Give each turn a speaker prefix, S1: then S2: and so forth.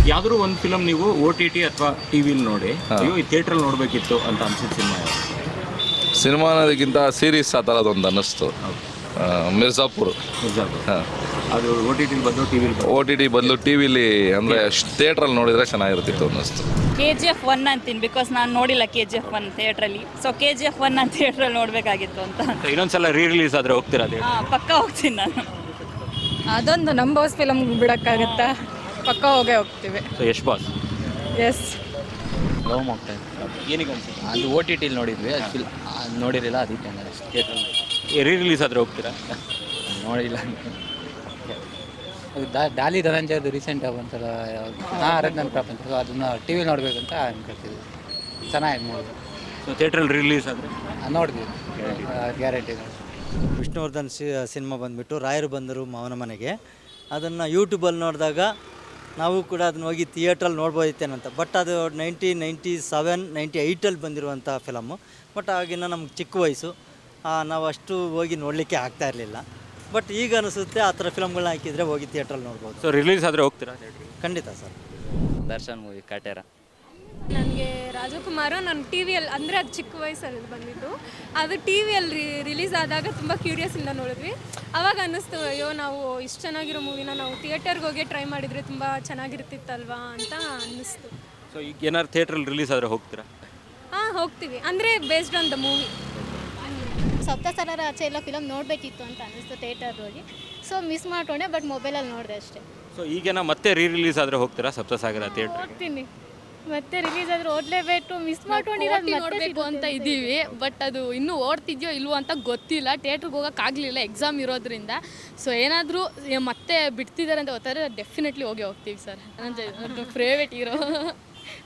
S1: ಯಾವ್ದಾದ್ರು ಒಂದು ಫಿಲಮ್ ನೀವು OTT ಅಥವಾ ಟಿವಿಲಿ ನೋಡಿ ಅಯ್ಯೋ ಈ ಥಿಯೇಟ್ರಲ್ಲಿ ನೋಡಬೇಕಿತ್ತು ಅಂತ ಅನ್ಸಿದ ಸಿನಿಮಾ ಯಾವುದು?
S2: ಸಿನಿಮಾ ಅನ್ನೋದಕ್ಕಿಂತ ಸೀರೀಸ್ ಆ ಥರದೊಂದು ಅನ್ನಿಸ್ತು. ಮಿರ್ಜಾಪುರ್. ಹಾಂ,
S1: ಅದು OTT ಬಂದು ಟಿವಿಲಿ
S2: OTT ಬದಲು ಟಿ ವಿಲಿ ಅಂದರೆ ಥಿಯೇಟ್ರಲ್ಲಿ ನೋಡಿದರೆ ಚೆನ್ನಾಗಿರ್ತಿತ್ತು ಅನ್ನಿಸ್ತು.
S3: KGF 1 ಅಂತೀನಿ, ಬಿಕಾಸ್ ನಾನು ನೋಡಿಲ್ಲ KGF 1 ಥಿಯೇಟ್ರಲ್ಲಿ. ಸೊ KGF 1 ನಾನು ಥಿಯೇಟ್ರಲ್ಲಿ ನೋಡಬೇಕಾಗಿತ್ತು ಅಂತ.
S1: ಇನ್ನೊಂದ್ಸಲ ರಿಲೀಸ್ ಆದರೆ ಹೋಗ್ತೀರಾ? ಅದೇ
S3: ಪಕ್ಕ ಹೋಗ್ತೀನಿ ನಾನು.
S4: ಅದೊಂದು ನಮ್ಮ ಬಾಸ್ ಫಿಲಮ್ ಬಿಡೋಕ್ಕಾಗತ್ತಾ? ಪಕ್ಕ ಹೋಗೇ ಹೋಗ್ತೀವಿ.
S1: So Yash boss
S4: yes.
S5: Love ಹೋಗ್ತಾ ಇದ್ದೆ.
S1: ಏನಕ್ಕೆ ಅನ್ಸುತ್ತೆ?
S5: ಅದು OTT ನೋಡಿದ್ವಿ, ಅದು ನೋಡಿರಲಿಲ್ಲ, ಅದಕ್ಕೆ ಥಿಯೇಟ್ರಲ್ಲಿ
S1: ರಿಲೀಸ್ ಆದರೆ ಹೋಗ್ತೀರಾ?
S5: ನೋಡಿಲ್ಲ. ಅದು ಡಾಲಿ ಧನಂಜಯದು ರೀಸೆಂಟ್ ಬಂತಲ್ಲ, ಅರಣ್ಯನ ಪ್ರಪಂಚ, ಸೊ ಅದನ್ನು ಟಿ ವಿ ನೋಡಬೇಕಂತ ಅನ್ಕೊಳ್ತಿದ್ವಿ. ಚೆನ್ನಾಗಿ ನೋಡಿದ್ವಿ.
S1: ಸೊ ಥಿಯೇಟ್ರಲ್ಲಿ ರಿಲೀಸ್ ಆದರೆ
S5: ನೋಡಿದ್ವಿ, ಗ್ಯಾರಂಟಿ.
S6: ವಿಷ್ಣುವರ್ಧನ್ ಸಿನಿಮಾ ಬಂದುಬಿಟ್ಟು ರಾಯರು ಬಂದರು ಮಾವನ ಮನೆಗೆ. ಅದನ್ನು ಯೂಟ್ಯೂಬಲ್ಲಿ ನೋಡಿದಾಗ ನಾವು ಕೂಡ ಅದನ್ನ ಹೋಗಿ ಥಿಯೇಟ್ರಲ್ಲಿ ನೋಡ್ಬೋದಿತ್ತೇನಂತ. ಬಟ್ ಅದು 1997, 98 ಬಂದಿರುವಂಥ ಫಿಲಮ್ಮು. ಬಟ್ ಆಗಿನ ನಮ್ಗೆ ಚಿಕ್ಕ ವಯಸ್ಸು, ನಾವು ಅಷ್ಟು ಹೋಗಿ ನೋಡಲಿಕ್ಕೆ ಆಗ್ತಾ ಇರಲಿಲ್ಲ. ಬಟ್ ಈಗ ಅನಿಸುತ್ತೆ ಆ ಥರ ಫಿಲಮ್ಗಳನ್ನ ಹಾಕಿದರೆ ಹೋಗಿ ಥಿಯೇಟ್ರಲ್ಲಿ ನೋಡ್ಬೋದು.
S1: ಸೊ ರಿಲೀಸ್ ಆದರೆ ಹೋಗ್ತೀರಾ?
S6: ಖಂಡಿತ ಸರ್.
S5: ದರ್ಶನ್ ಮೂವಿ ಕಾಟೇರ.
S7: ನನಗೆ ರಾಜಕುಮಾರ, ನಾನು ಟಿ ವಿಯಲ್ಲಿ, ಅಂದರೆ ಅದು ಚಿಕ್ಕ ವಯಸ್ಸಲ್ಲಿ ಬಂದಿದ್ದು. ಅದು ಟಿ ವಿಯಲ್ಲಿ ರಿಲೀಸ್ ಆದಾಗ ತುಂಬ ಕ್ಯೂರಿಯಸ್ಸಿಂದ ನೋಡಿದ್ವಿ. ಆವಾಗ ಅನ್ನಿಸ್ತು, ಅಯ್ಯೋ ನಾವು ಇಷ್ಟು ಚೆನ್ನಾಗಿರೋ ಮೂವಿನ ನಾವು ಥಿಯೇಟರ್ಗೆ ಹೋಗಿ ಟ್ರೈ ಮಾಡಿದರೆ ತುಂಬ ಚೆನ್ನಾಗಿರ್ತಿತ್ತಲ್ವಾ ಅಂತ ಅನ್ನಿಸ್ತು.
S1: ಸೊ ಈಗ ಏನಾದ್ರು ಥಿಯೇಟ್ರಲ್ಲಿ ರಿಲೀಸ್ ಆದರೆ ಹೋಗ್ತೀರಾ?
S7: ಹಾಂ, ಹೋಗ್ತೀವಿ. ಅಂದರೆ based on the movie.
S8: Saptasagara Aache Ella film ನೋಡಬೇಕಿತ್ತು ಅಂತ ಅನ್ನಿಸ್ತು ಥಿಯೇಟರ್ಗೆ ಹೋಗಿ. ಸೊ ಮಿಸ್ ಮಾಡ್ಕೊಂಡೆ, ಬಟ್ ಮೊಬೈಲಲ್ಲಿ ನೋಡಿದೆ ಅಷ್ಟೇ.
S1: ಸೊ ಈಗೇನ ಮತ್ತೆ ರಿಲೀಸ್ ಆದರೆ ಹೋಗ್ತೀರಾ ಸಪ್ತಸಾಗರ ಥಿಯೇಟ್ರ್?
S8: ಹೋಗ್ತೀನಿ, ಮತ್ತೆ ರಿಲೀಸ್ ಆದ್ರೆ ಓದಲೇಬೇಕು. ಮಿಸ್ ಮಾಡ್ಕೊಂಡಿರೋದು
S9: ನೋಡಬೇಕು ಅಂತ ಇದ್ದೀವಿ, ಬಟ್ ಅದು ಇನ್ನೂ ಓಡ್ತಿದ್ಯೋ ಇಲ್ವೋ ಅಂತ ಗೊತ್ತಿಲ್ಲ. ಥಿಯೇಟ್ರಿಗೆ ಹೋಗೋಕ್ಕಾಗಲಿಲ್ಲ, ಎಕ್ಸಾಮ್ ಇರೋದ್ರಿಂದ. ಸೊ ಏನಾದರೂ ಮತ್ತೆ ಬಿಡ್ತಿದ್ದಾರೆ ಅಂತ ಗೊತ್ತಾದ್ರೆ ಡೆಫಿನೆಟ್ಲಿ ಹೋಗ್ತೀವಿ ಸರ್. ನನ್ನ ಫೇವ್ರೇಟ್ ಹೀರೋ.